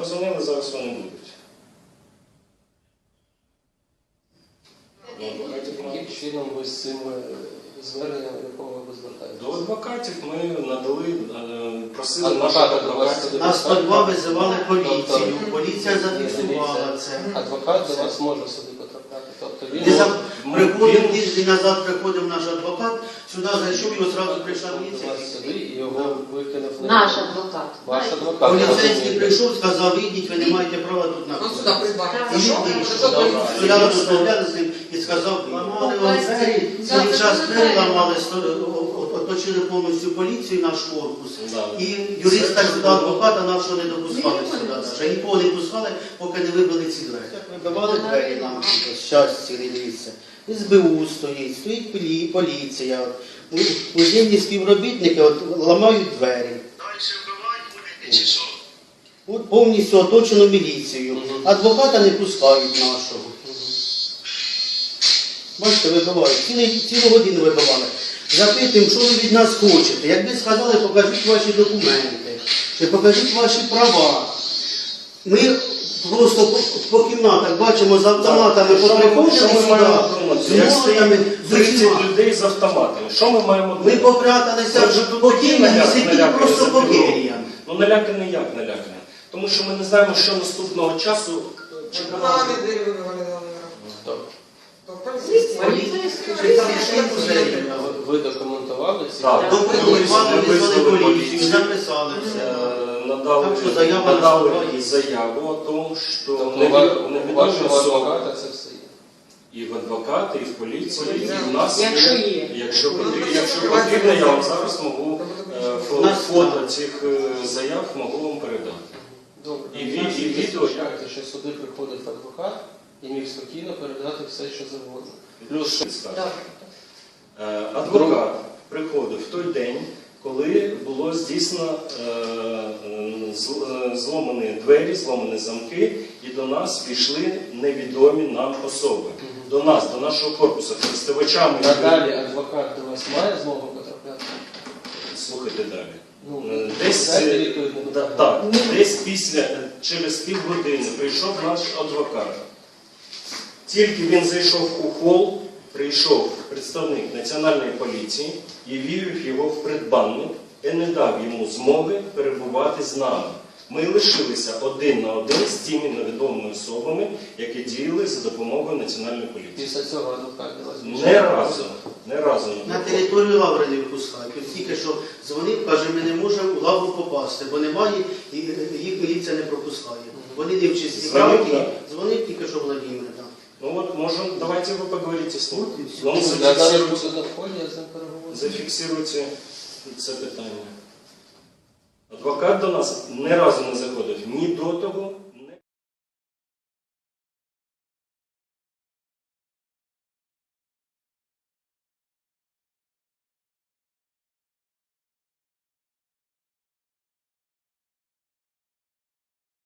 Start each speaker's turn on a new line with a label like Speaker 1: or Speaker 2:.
Speaker 1: позвонили, зараз вони будуть.
Speaker 2: Яким чином ви з цим зверненням, якого ви звертаєтесь?
Speaker 1: До адвокатів ми надали, просили наших адвокатів.
Speaker 3: На 102 визивали поліцію, поліція зафіксувала це.
Speaker 2: Адвокат до вас може сюди потрапляти? Тобто
Speaker 3: Приходив тиждень назад, приходив наш адвокат, сюди зайшов і одразу прийшла
Speaker 2: до
Speaker 3: міліція.
Speaker 2: вас сюди і його викинув на
Speaker 4: Наш адвокат.
Speaker 2: Ваш адвокат.
Speaker 3: Поліцейський прийшов, сказав, ідіть, ви не маєте права тут
Speaker 5: Он сюда
Speaker 3: знаходитися.
Speaker 5: прибавил.
Speaker 3: І стояли, розмовляли з ним і сказав, ламали вам двері, цілий час двері ламали, оточили повністю поліцію, наш корпус. І юриста сюди, адвоката нашого не допускали сюди. Вже нікого не пускали, поки не вибили ці двері. Вибивали двері нам, щастя, дивіться. СБУ стоїть, стоїть поліція. Музейні співробітники ламають двері. От повністю оточено міліцією. Адвоката не пускають нашого. Бачите, вибивають. Цілу годину вибивали. Запитуємо, що ви від нас хочете. Якби сказали, покажіть ваші документи, чи покажіть ваші права. Ми просто по кімнатах бачимо з автоматами,
Speaker 1: Що ми маємо
Speaker 3: з
Speaker 1: як
Speaker 3: молотами,
Speaker 1: стоїть
Speaker 3: з
Speaker 1: 30
Speaker 3: усіма.
Speaker 1: людей з автоматами? Що ми маємо
Speaker 3: Ми
Speaker 1: думати?
Speaker 3: попряталися по Києві, сиділи просто по Києві.
Speaker 1: Ну наляканий як наляканий? Тому що ми не знаємо, що наступного часу чекати.
Speaker 5: Ламали двери, выбивали, да,
Speaker 2: Тобто
Speaker 5: То полицейские.
Speaker 2: ви документували ці?
Speaker 1: Так.
Speaker 3: Документували,
Speaker 1: Ми
Speaker 3: визвали
Speaker 1: визвали
Speaker 3: поліцію,
Speaker 1: поліцію.
Speaker 3: записали все.
Speaker 1: Надали
Speaker 3: Так що заява на
Speaker 1: надали
Speaker 3: справі.
Speaker 1: заяву о тому, що
Speaker 2: Тобто у
Speaker 1: невідомі
Speaker 2: вашого
Speaker 1: особи
Speaker 2: адвоката це все є?
Speaker 1: і в адвоката, і в поліції, і
Speaker 5: Да.
Speaker 1: в нас
Speaker 4: Якщо є.
Speaker 1: Якщо потрібно, я вам зараз можу фото цих заяв можу вам передати.
Speaker 2: Добре.
Speaker 1: І відео.
Speaker 2: Чекайте, що сюди приходить адвокат і міг спокійно передати все, що завгодно. Плюс
Speaker 1: Адвокат приходив в той день, коли було здійснено зломані двері, зломані замки, і до нас війшли невідомі нам особи. До нас, до нашого корпусу, користувачами.
Speaker 2: надалі адвокат до вас має змогу потрапляти?
Speaker 1: Слухайте далі.
Speaker 2: Ну,
Speaker 1: Десь,
Speaker 2: дайте відповідь на питання.
Speaker 1: десь через півгодини прийшов наш адвокат. Тільки він зайшов у хол, прийшов представник Національної поліції і вивів його в предбанник і не дав йому змоги перебувати з нами. Ми лишилися один на один з тими невідомими особами, які діяли за допомогою Національної поліції.
Speaker 2: Після цього адвокат до вас
Speaker 1: Не разу.
Speaker 3: На територію лаври не випускають. Ось тільки що дзвонив, каже, ми не можемо в лавру попасти, бо немає, і їх міліція не пропускає. Вони не в чисті правки, дзвонив тільки що Владимир.
Speaker 1: Ну вот, давайте вы поговорите с ним.
Speaker 3: Ну,
Speaker 2: Я зараз буду на вході, я з ним переговорю.
Speaker 1: Зафіксируйте це питання. Адвокат до нас не разу не заходив ні до того,